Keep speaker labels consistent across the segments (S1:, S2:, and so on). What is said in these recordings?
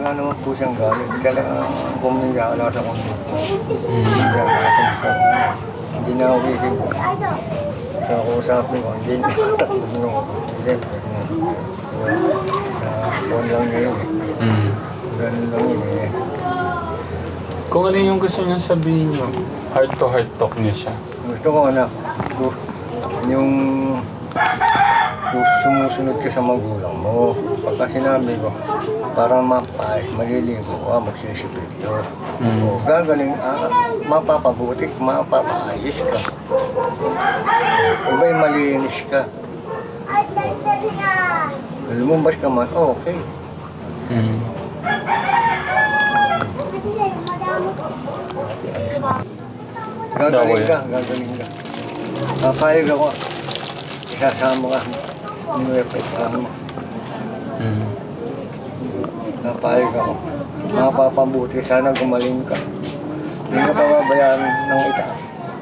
S1: wala naman po siyang galit. Talagang pumigyala sa kondisyon. Hindi na ako isip. Ito ako usapin ko, hindi na takot nung siyempre. Phone lang niya yun eh. Ganun lang yun eh.
S2: Kung ano yung gusto niya sabihin niyo, heart to heart talk niya siya.
S1: Gusto ko anak, yung sumusunod ka sa magulang mo. Pagka sinabi ko, para mapayos, maliligo ka, magsisipito. O gagaling, mapapabuti, mapapaayos ka. Iba'y malinis ka. Lumabas ka man, okay. Gagaling ka, gagaling ka. Papayag ako. Isasama ka. Iniwepay mo. Napayag ako. Mapapabuti. Sana gumaling ka. Hindi ka pababayaan ng itaas.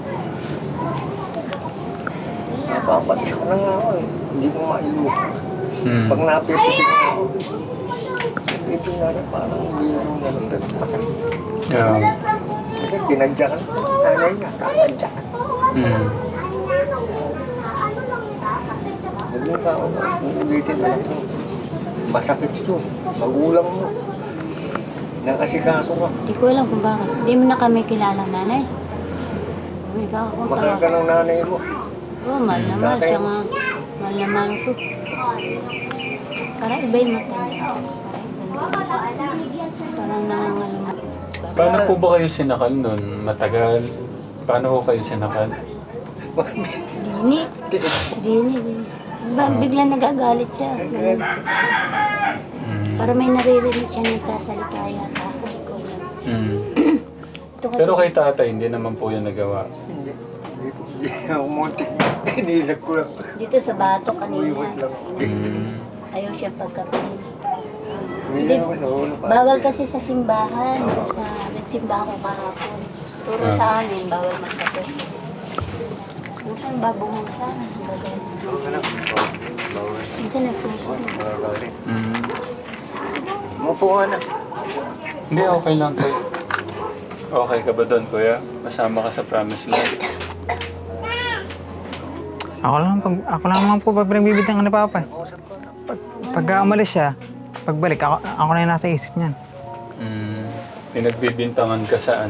S1: Napapatis ko na nga ako eh. Hindi ko mailu. Pag napiputik na ako, ito nga rin parang hindi yung ganun rin. Kasi tinadyakan. Nanay nga, tatadyakan. Huwag mo ka, uulitin na lang. Masakit yun. Magulang mo. Nakasikaso ka.
S3: Hindi ko alam kung bakit. Hindi mo na kami kilalang nanay. Ikaw akong
S1: Mahal ka ng nanay mo.
S3: Oo, mahal na mahal. Tsaka mahal na mahal ko. Para iba yung mata niya. Parang nangangalumat.
S2: Paano po ba kayo sinakal nun? Matagal? Paano po kayo sinakal?
S3: Dini. Dini. Bigla nagagalit siya. Ganun. Para may naririnig siya nagsasalita yata. Hindi ko alam. Ito kasi-
S2: Pero kay tatay, hindi naman po yan nagawa.
S1: Hindi ako muntik. Hinilag ko lang.
S3: Dito sa bato
S1: Umiwas
S3: kanina.
S1: lang.
S3: Ayaw siya pagkapihin.
S1: Hindi ako sa ulo.
S3: Bawal kasi sa simbahan. Nagsimba ako kahapon. Turo sa amin, bawal magkape. Minsan babungusan.
S1: Anak, bawal.
S3: Minsan nagsusunod.
S1: Magagalit. Mapo ka na.
S2: Hindi, okay lang po. Okay ka ba doon, kuya? Masama ka sa promise lang.
S4: Ako lang naman po pag pinagbibitang ka ni Papa. Pagka umalis siya, pagbalik, ako na yung nasa isip niyan.
S2: Pinagbibintangan ka saan?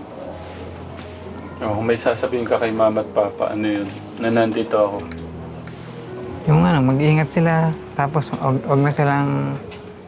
S2: Kung may sasabihin ka kay mama at papa, ano yun? Na nandito ako.
S4: Yung mag-iingat sila, tapos wag na silang,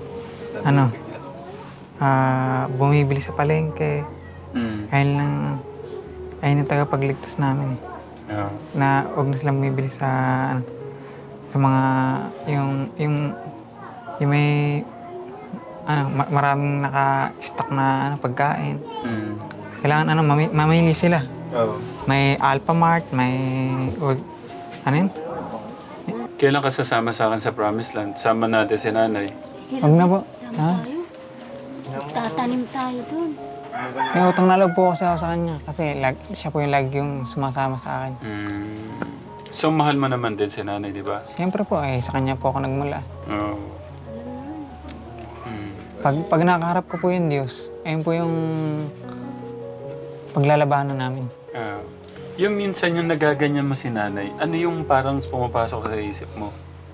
S4: bumibili sa palengke. Ayun yung tagapagligtas namin. Na wag na silang bumibili sa mga, yung may, maraming naka-stock na pagkain. Kailangan mamili sila. May Alphamart, may yun?
S2: Kailan ka sasama sa akin sa Promised Land? Sama natin si nanay.
S3: Sige
S4: Wag na po.
S3: sama tayo. Tatanim tayo dun.
S4: May utang na loob po kasi ako sa kanya. Kasi siya po yung lagi yung sumasama sa akin.
S2: So, mahal mo naman din si nanay, di ba?
S4: Siyempre po, sa kanya po ako nagmula.
S2: Oo.
S4: Pag nakaharap ko po yung Diyos, ayun po yung paglalabanan namin.
S2: Yung minsan yung nagaganyan mo si nanay, ano yung parang pumapasok sa isip mo?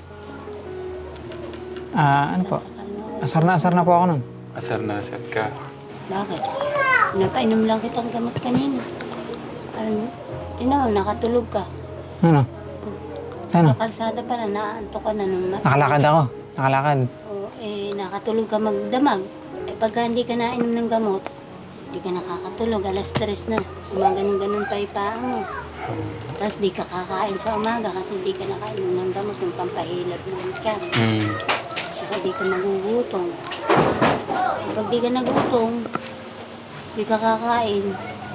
S4: Ano po? Asar na po ako nun.
S2: Asar na asar ka.
S3: Bakit? Napainom lang kitang gamot kanina. Tinaw, nakatulog ka.
S4: Ano? Ano?
S3: Sa kalsada pala, naantok ka na nung
S4: Nakalakad ako. Nakalakad.
S3: Nakatulog ka magdamag. Pagka hindi ka nainom ng gamot, hindi ka nakakatulog. Alas 3 na. Ganun pa ipaan mo. Tapos di ka kakain sa umaga kasi di ka nakainom ng gamot yung pampahilap ng ka. Saka di ka magugutom. Pag di ka nagutom, di ka kakain.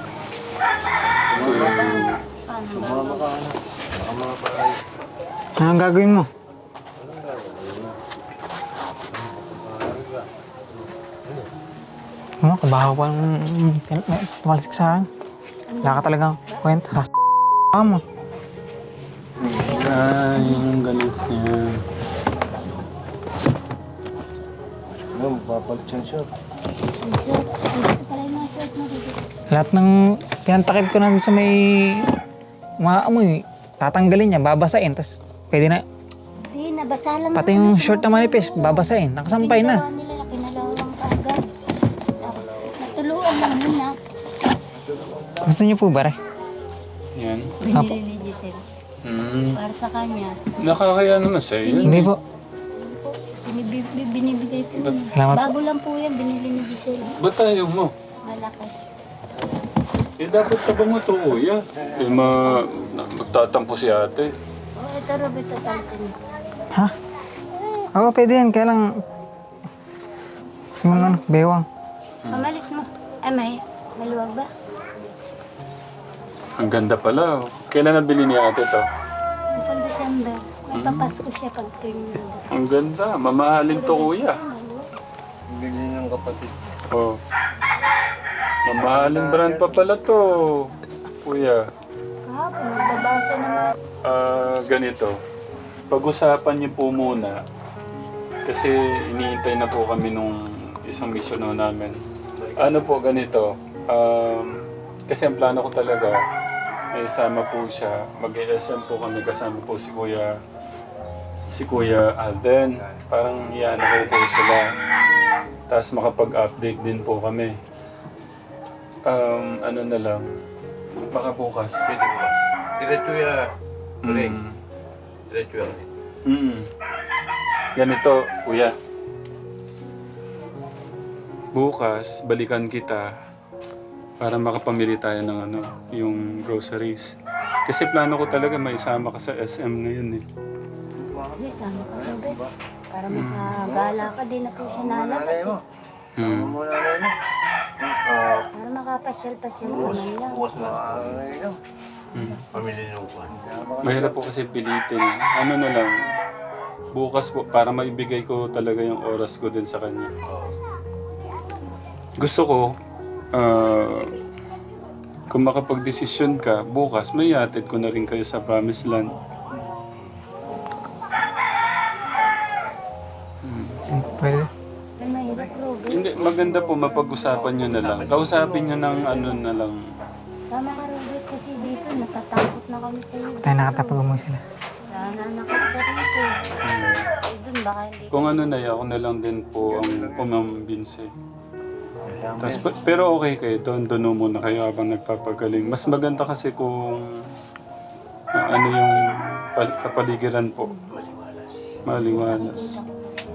S3: Paano
S1: Sumama ka anak. Baka makapayos.
S4: Anong gagawin mo? Kabaho pa tumalsik sa akin. Wala ka talagang kwenta sa mo.
S2: Yung galit niya.
S1: Ano, Pag-sensor.
S3: Ang short. Ito pala yung mga short mo dito.
S4: Lahat ng pinantakip ko na sa may umaamoy, tatanggalin niya, babasain, tapos pwede na.
S3: Hindi, nabasa lang.
S4: Pati
S3: naman
S4: yung
S3: sa
S4: short na manipis, babasain, nakasampay na.
S3: Pinagawa nila, kinalawang kaagad. Natuluan lang muna.
S4: Gusto niyo po ba, Re?
S2: Yan.
S3: Binili ni Giselle. Para sa kanya.
S2: Nakakaya naman sa'yo yun.
S4: Hindi po.
S3: Binibigay po niya.
S4: Salamat po.
S3: Bago lang po yan, binili ni Giselle.
S2: Ba't ayaw mo?
S3: Malaki.
S2: Eh, dapat ka ba mo ito, kuya? Eh, magtatampo si ate.
S3: Oh, ito Roberto Talton.
S4: Ha? Oo, pwede yan, kaya lang yung ano, bewang.
S3: Pamalit mo. Ay, may maluwag ba?
S2: Ang ganda pala. Kailan nabili ni ate to?
S3: Kapag December. May papasko siya pag tuwing
S2: Ang ganda. Mamahalin to, kuya.
S1: Bili ng kapatid.
S2: Oh. Mamahaling brand pa pala to, kuya.
S3: kahapon, nagbabasa naman.
S2: Ganito. Pag-usapan niyo po muna. Kasi iniintay na po kami nung isang misyon namin. Ano po ganito? Kasi ang plano ko talaga, may isama po siya. Mag-SM po kami kasama po si Kuya Alden. Parang yan ako po sila. Tapos makapag-update din po kami. Ano na lang. Baka bukas.
S5: Pwede mo. Diretso ya. Ring.
S2: Mm.
S5: Diretso ya.
S2: Ganito, kuya. Bukas, balikan kita para makapamili tayo ng ano, yung groceries. Kasi plano ko talaga may isama ka sa SM ngayon eh.
S3: Yes, sama ka Robert. Para makagala ka din na po siya nalabas.
S1: Nanay mo.
S2: Hmm.
S1: Mo nanay mo.
S3: Para makapasyal-pasyal naman lang.
S5: Bukas na.
S1: Nanay mo.
S5: Pamili ng upuan.
S2: Mahirap po kasi pilitin. Ano na lang, bukas po, para maibigay ko talaga yung oras ko din sa kanya. Gusto ko, kung makapag-desisyon ka, bukas may hatid ko na rin kayo sa Promised Land.
S4: Pwede.
S3: Ay, mahirap Robert.
S2: Hindi, maganda po, mapag-usapan nyo na lang. Kausapin nyo ng ano na lang.
S3: Tama ka Robert kasi dito natatakot na kami sa iyo.
S4: Tayo nakatapag umuwi sila.
S3: Nananakot ka rito. Eh, dun baka hindi.
S2: Kung ano na, ako na lang din po ang kumambinse. Tas, pero okay kayo doon muna kayo habang nagpapagaling. Mas maganda kasi kung ano yung kapaligiran po. Maliwalas.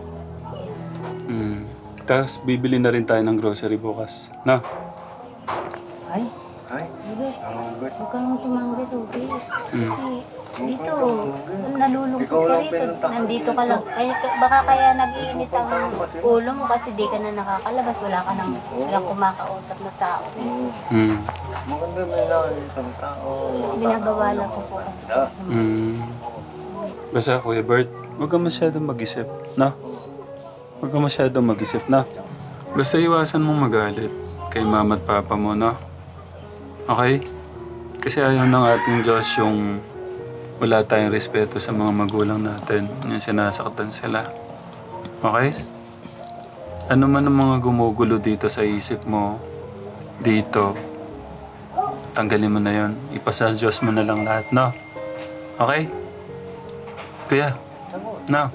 S2: Tapos bibili na rin tayo ng grocery bukas. Na?
S3: Ay,
S1: Ay,
S3: Robert.
S1: ang good.
S3: Huwag kang tumanggi Robert. Kasi dito, nalulungkot
S1: Ikaw
S3: ka
S1: lang
S3: rito.
S1: pinunta.
S3: Nandito ka lang. Baka kaya nag-iinit ang ulo mo kasi di ka na nakakalabas. Wala ka nang walang kumakausap na tao.
S1: Maganda may nakalitang tao.
S3: Binabawalan ko po kasi sa
S2: Basta Kuya Bert, huwag kang masyadong mag-isip. Na? Huwag kang masyadong mag-isip na. Basta iwasan mong magalit kay mama at papa mo, no? Okay? Kasi ayaw ng ating Diyos yung wala tayong respeto sa mga magulang natin. Yung sinasaktan sila. Okay? Ano man ang mga gumugulo dito sa isip mo, dito, tanggalin mo na yon. Ipasa sa Diyos mo na lang lahat, no? Okay? Kuya, no?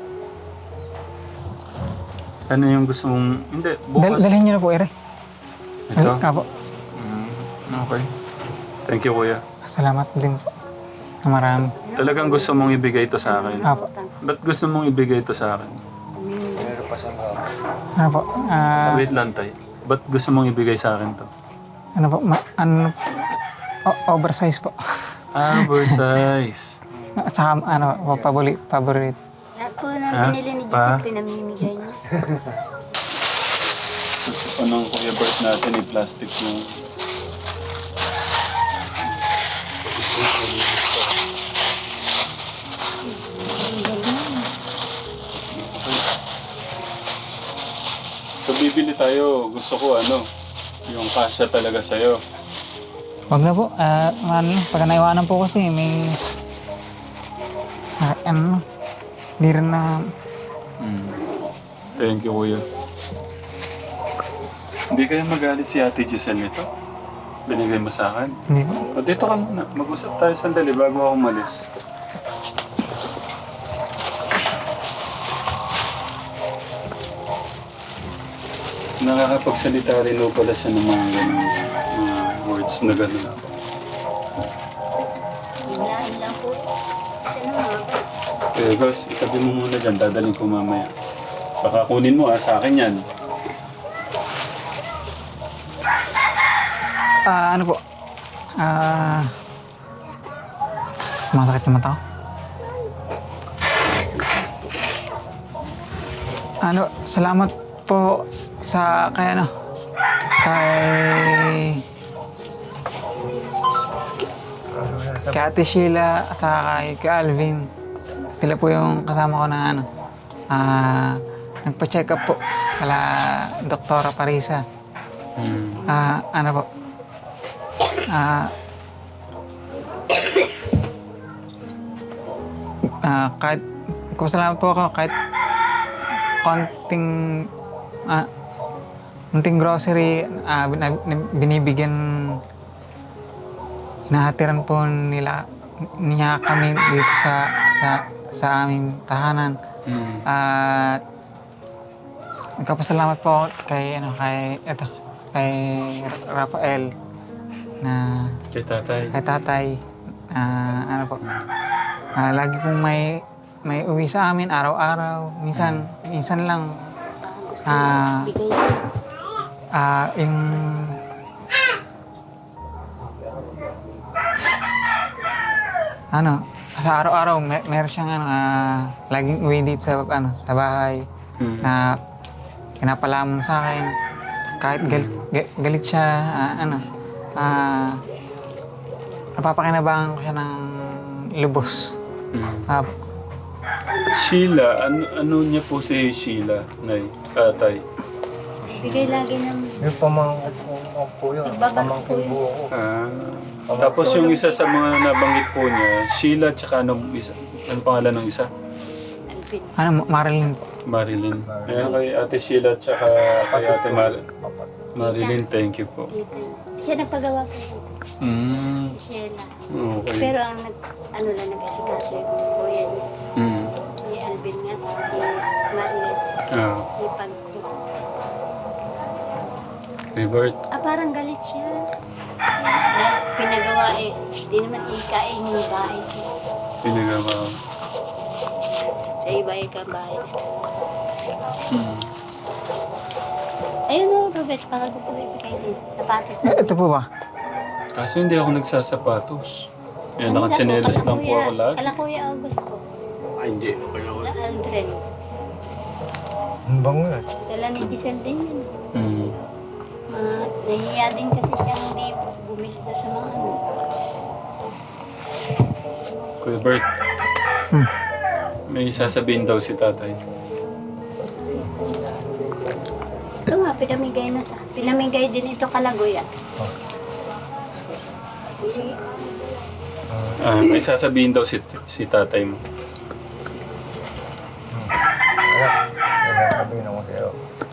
S2: Ano yung gusto mong... Hindi, bukas.
S4: Dalhin niyo na po, Ere.
S2: Ito?
S4: Apo.
S2: Okay. Thank you, Kuya.
S4: Salamat din po. Na marami.
S2: Talagang gusto mong ibigay ito sa akin.
S4: Apo.
S2: Ba't gusto mong ibigay ito sa akin?
S1: Meron pa sa mga.
S4: Ano po?
S2: Wait lang, tay. Ba't gusto mong ibigay sa akin to?
S4: Ano po? Oversize po.
S2: Oversize.
S4: Saka ano, paborito.
S3: Lahat po na binili ni Giselle, pinamimigay niya.
S2: Gusto pa ng Kuya Bert natin i-plastic mo. So bibili tayo. Gusto ko ano, yung kasya talaga sa'yo.
S4: Wag na po. Ano, pag naiwanan po kasi may... ano, di rin na...
S2: Thank you, Kuya. Hindi kayo magalit si Ate Giselle nito? Binigay mo sa akin?
S4: Hindi po.
S2: O, dito ka muna. Mag-usap tayo sandali bago ako umalis. Nakakapagsalita rin o pala siya ng mga ganun, mga words na gano'n.
S3: Biglaan lang po. Kasi naman,
S2: Gus, itabi mo muna dyan. Dadaling ko mamaya. Baka kunin mo sa akin yan.
S4: Ano po? Masakit yung mata ko. Salamat po sa kay Ate Sheila at saka kay Alvin. Sila po yung kasama ko na nagpa-check up po kala Doktora Parisa. Ano po? Kahit salamat po ako kahit konting grocery binibigyan, hinahatiran po niya kami dito sa aming tahanan. At nagpapasalamat po ako kay Rafael na
S2: Kay tatay.
S4: ano po, lagi pong may uwi sa amin araw-araw, minsan lang.
S3: gusto ko bigay yun.
S4: Yung sa araw-araw meron siyang laging uwi dito sa bahay na pinapalamon sa akin. Kahit galit siya, napapakinabangan ko siya ng lubos.
S2: Sheila, ano niya po si Sheila, Nay, tatay?
S3: Bigay lagi ng
S1: Yung pamangkin po yun. Pamangkin po ako.
S2: Tapos yung isa sa mga nabanggit po niya, Sheila, tsaka anong isa? Anong pangalan ng isa?
S3: Alvin.
S4: Marilyn po.
S2: Marilyn. Ayan kay Ate Sheila, tsaka kay Ate Marilyn, thank you po.
S3: Dito. Siya nagpagawa ko dito. Sheila.
S2: Okay.
S3: Pero ang nag-asikaso yung kuya niya. Si Alvin nga, saka si Marilyn. Ipag
S2: Bert.
S3: parang galit siya. Pinagawa di naman ikain yung bahay ko.
S2: Pinagawa.
S3: Sa iba ikang bahay. Ayun o, Robert, baka gusto mo ipagay din. Sapatos na.
S4: Ito po ba?
S2: Kaso hindi ako nagsasapatos. Yan, nakatsinelas lang po ako lagi.
S3: Kala Kuya Augusto.
S5: Ay, hindi. Okay lang.
S3: Kala Aldrin.
S1: Ang bango yan.
S3: Dala ni Giselle din yun.
S2: Mm.
S3: Nahiya din kasi siya hindi bumili doon sa mga
S2: Kuya Bert, may sasabihin daw si tatay.
S3: Ito nga, pinamigay din ito kalaguya.
S2: May sasabihin daw si tatay mo.
S1: Sabihin ako sa'yo.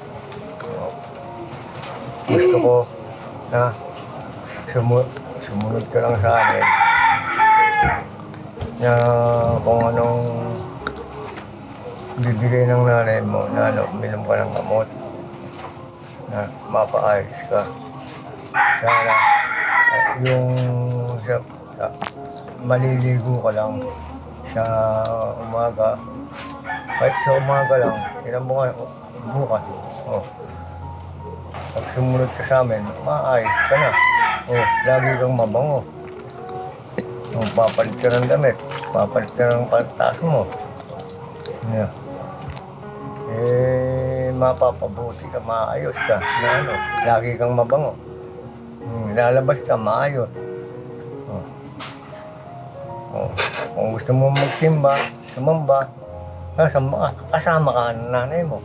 S1: Gusto ko na sumunod ka lang sa amin na kung anong bibigay ng nanay mo na minom ka ng gamot na mapaayos ka. Sana yung maliligo ka lang sa umaga. Kahit sa umaga lang, ilang bukas. Pag sumunod ka sa amin, maayos ka na. Lagi kang mabango. Papalit ka ng damit, papalit ka ng pantas mo. Yeah. Mapapabuti ka, maayos ka. Lagi kang mabango. Lalabas ka, maayos. Kung gusto mo magsimba, sumamba, kasama ka ng nanay mo.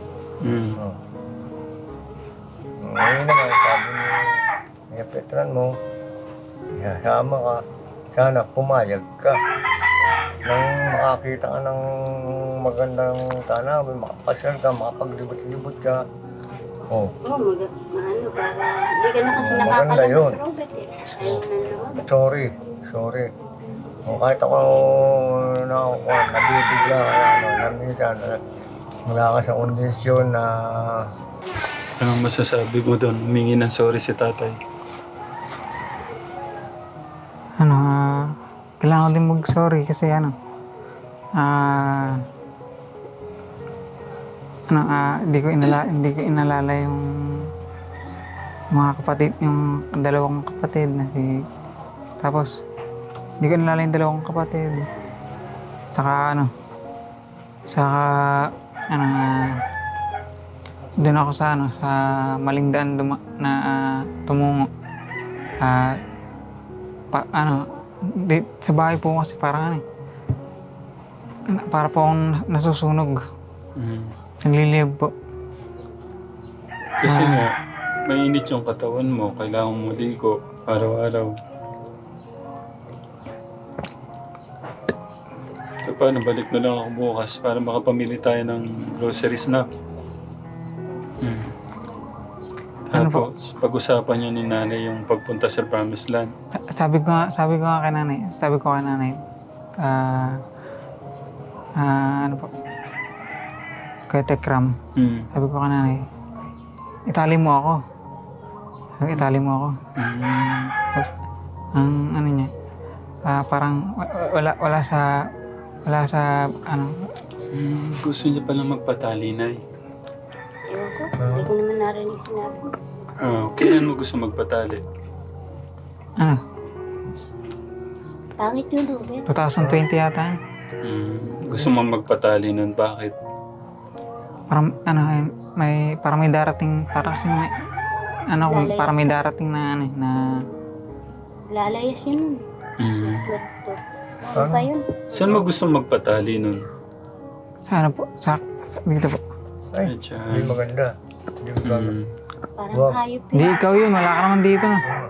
S1: Ngayon naman, sabi ni Petran mo, isasama ka, sana pumayag ka. Nang makakita ka ng magandang tanawin, makapasal ka, makapaglibot-libot ka. Oh,
S3: Maano, para hindi ka na kasi
S1: Maganda
S3: nakakalabas,
S1: yun.
S3: Robert eh. Ayaw na lumabas.
S1: sorry. O kahit ako nabibigla kaya na minsan wala ka sa kondisyon na
S2: Anong masasabi mo doon? Humingi ng sorry si tatay.
S4: Ano, kailangan ko din mag-sorry kasi hindi ko inalala yung mga kapatid, yung dalawang kapatid na tapos hindi ko inalala yung dalawang kapatid. Saka doon ako sa maling daan tumungo. Sa bahay po kasi parang para po akong nasusunog. Nagliliyab po.
S2: Kasi nga, mainit yung katawan mo. Kailangan mo ligo araw-araw. So, paano? Balik na lang ako bukas para makapamili tayo ng groceries na.
S4: Ano po?
S2: Tapos, pag-usapan niyo ni nanay yung pagpunta sa Promised Land.
S4: Sabi ko kay nanay, ano po, kay Tekram, sabi ko kay nanay, itali mo ako. Tapos, ang ano niya, parang wala sa
S2: Gusto niya palang magpatali, Nay.
S3: Ewan ko, hindi ko naman narinig sinabi.
S2: Kailan mo gusto magpatali?
S3: Pangit yun, Robert.
S4: 2020 yata.
S2: Gusto mo magpatali nun? Bakit?
S4: Parang parang may darating, parang kasi parang may darating na
S3: Lalayas yun. Ano pa yun?
S2: Saan mo gusto magpatali nun?
S4: sa dito po.
S1: ay, hindi maganda. Hindi maganda.
S3: Parang
S1: Wow.
S3: hayop
S4: Di
S3: yun.
S4: ikaw yun, wala ka naman dito.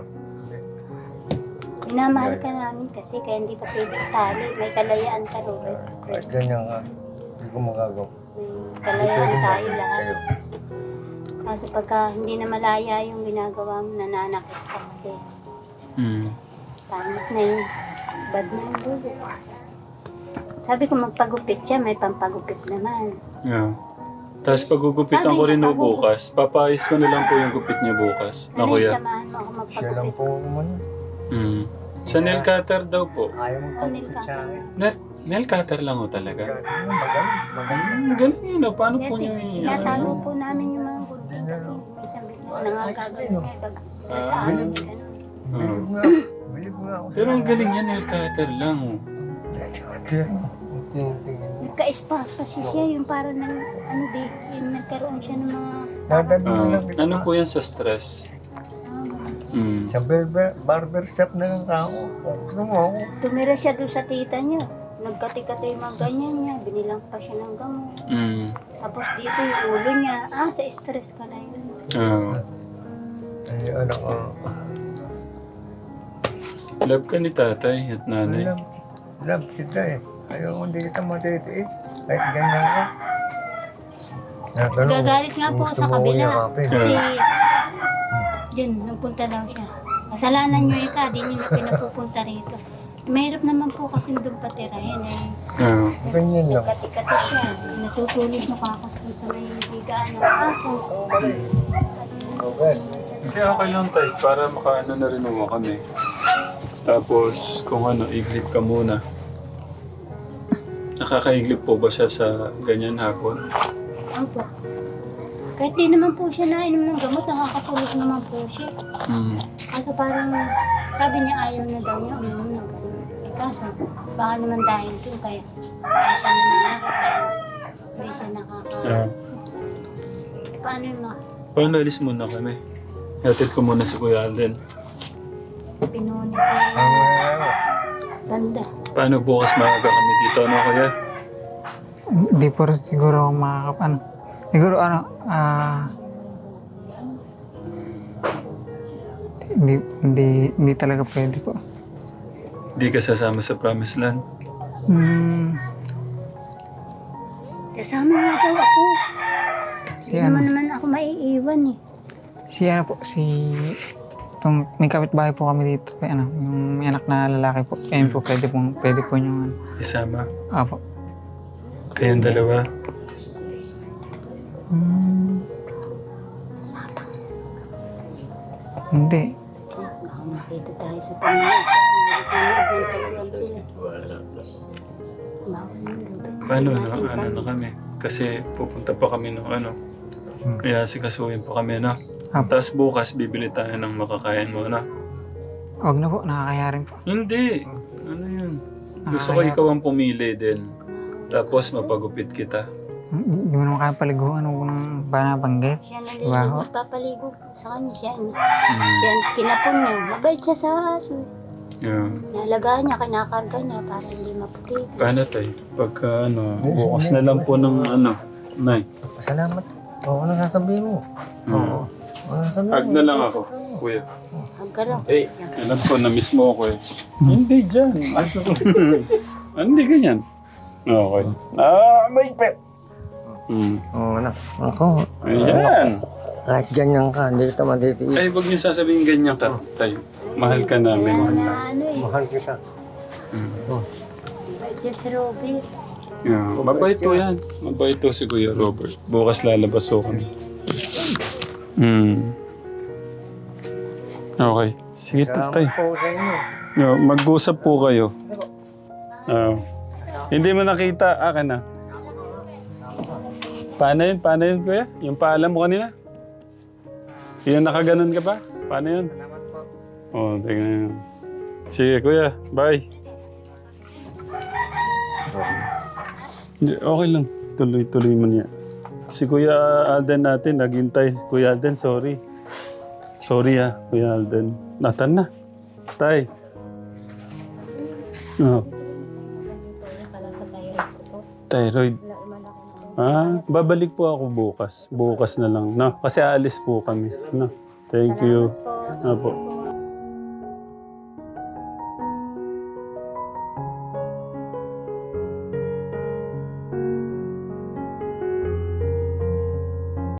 S3: Minamahal ka namin kasi kaya hindi ka pwede tali. May kalayaan ka, Robert.
S1: Kahit ganyan ka, hindi ko magagawa.
S3: May kalayaan tayo lahat.
S1: Sa'yo.
S3: Kaso pagka hindi na malaya yung ginagawa mo, nananakit ka kasi pangit na yun. Bad na yun, Robert. Sabi ko magpagupit siya, may pampagupit naman.
S2: Yeah. Tapos pagugupitan ko rin no bukas. Papayos ko na lang po yung gupit niya bukas. Na
S3: Ano yung
S2: kuya.
S3: samahan mo ako
S1: Siya lang
S3: magpagupit?
S1: po man.
S2: Sa nail cutter daw po.
S1: Ayaw mo
S3: Oh, nail
S1: pagpapit sa akin.
S2: Nail cutter lang ho talaga.
S1: Magaling.
S2: Galing yun. Paano po niya
S3: Tinatago po namin yung mga gunting kasi isang bigla nangagagawin kayo pag sa amin may ganun.
S1: Bilib nga. Bilib nga ako.
S2: Pero ang galing yan, nail cutter lang. Oh.
S3: Nagka-spa kasi siya yung parang yung nagkaroon siya ng mga
S1: Dadali mo lang.
S2: Ano po yan sa stress?
S1: Sa barber shop na lang ako. Kung gusto mo ako.
S3: tumira siya doon sa tita niya. Nagkati-kati yung mga ganyan niya. Binilang pa siya ng gamot. Tapos dito yung ulo niya. Sa stress pala yun.
S1: Ay, anak ko.
S2: Love ka ni tatay at nanay.
S1: Love kita eh. Ayaw hindi kita matitiis. Kahit ganyan ka.
S3: Gagalit nga po
S1: gusto
S3: sa
S1: mo
S3: kabila.
S1: yakapin.
S3: Kasi yun, nagpunta daw siya. Kasalanan niyo ika, di niyo na pinapupunta rito. Mahirap naman po kasi doon patirahin eh.
S1: Ganyan lang.
S3: Nagkati-kati siya. Natutulog na kakos doon sa may higaan ng aso.
S1: Okay.
S2: Hindi, okay lang tayo. Para makaano na rin mo kami. Tapos, kung ano, iglip ka muna. Nakakaiglip po ba siya sa ganyan hapon?
S3: Opo. Kahit di naman po siya nainom ng gamot, nakakatulog naman po siya. Kaso parang sabi niya ayaw na daw niya uminom ng gamot. Kaso baka naman dahil doon kaya siya nananakit dahil hindi siya paano yun ma?
S2: Paano alis muna kami? Hatid ko muna si Kuya Alden.
S3: Pinunit niya. Ganda.
S2: Paano bukas maaga kami dito, ano kuya?
S4: Hindi po rin siguro siguro hindi talaga pwede po.
S2: Di ka sasama sa Promised Land?
S3: Kasama nga daw ako. Si
S4: Si
S3: Hindi
S4: ano,
S3: naman ako maiiwan eh.
S4: si ano po, itong may kapitbahay po kami dito, si ano, yung may anak na lalaki po. Ayun po, pwede po yung ano.
S2: Isama.
S4: Apo.
S2: Kayong dalawa.
S4: Hindi.
S3: Baka makita tayo sa pamilya. Nagtagpuan sila. Bawal mo, lupit.
S2: Paano na? Ano na kami? Kasi pupunta pa kami ng ano. Kaya sikasuhin pa kami na.
S4: Apo.
S2: Tapos bukas bibili tayo ng makakain mo na.
S4: Huwag na po, nakakaya rin po.
S2: Hindi. Ano yun? Gusto ko ikaw ang pumili din. Tapos mapagupit kita.
S4: Hindi mo naman kaya paliguan ako ng banabanggit.
S3: Siya na
S4: Baho.
S3: nagpapaligo sa kanya. Siya ang kinapon niya. Mabait siya sa aso.
S2: Yeah.
S3: Nalagaan niya, kinakarga niya para hindi maputi.
S2: Paano tayo? Pagka ano, bukas na lang po ng ano. Nay.
S1: Salamat. Oo, ano sasabihin mo? Oo. Ano sasabihin
S2: Hag na lang ako, kuya.
S3: Hagkaraw.
S2: Hey, alam ko, na-miss mo ako eh. Hindi dyan. Hindi ganyan. Okay. May pet.
S1: Oo, anak. Ako,
S2: Ayan.
S1: kahit ganyan ka, hindi kita matitiis.
S2: Ay, huwag niyo sasabihin ganyan ka, tayo. Mahal ka namin. Mahal na.
S3: Ano eh,
S1: Mahal kita.
S3: mabait yan si Robert.
S2: Yeah. Mabait to yan. Mabait to si Kuya Robert. Bukas lalabas ko kami. Okay. Sige, tatay.
S1: Po sa inyo.
S2: No, mag-usap po kayo. Hindi mo nakita. Akin na. Paano yun? Paano yun, kuya? Yung paalam mo kanina? Yung nakaganon ka pa? Paano yun? Oo, tingnan yun. Sige, kuya. Bye. Hindi, okay lang. Tuloy-tuloy mo niya. Si Kuya Alden natin, naghintay. Kuya Alden, sorry. Sorry Kuya Alden. Natan na. Tay. Oh. Thyroid. Babalik po ako bukas. Bukas na lang. No? Kasi aalis po kami. No? Thank you. Apo.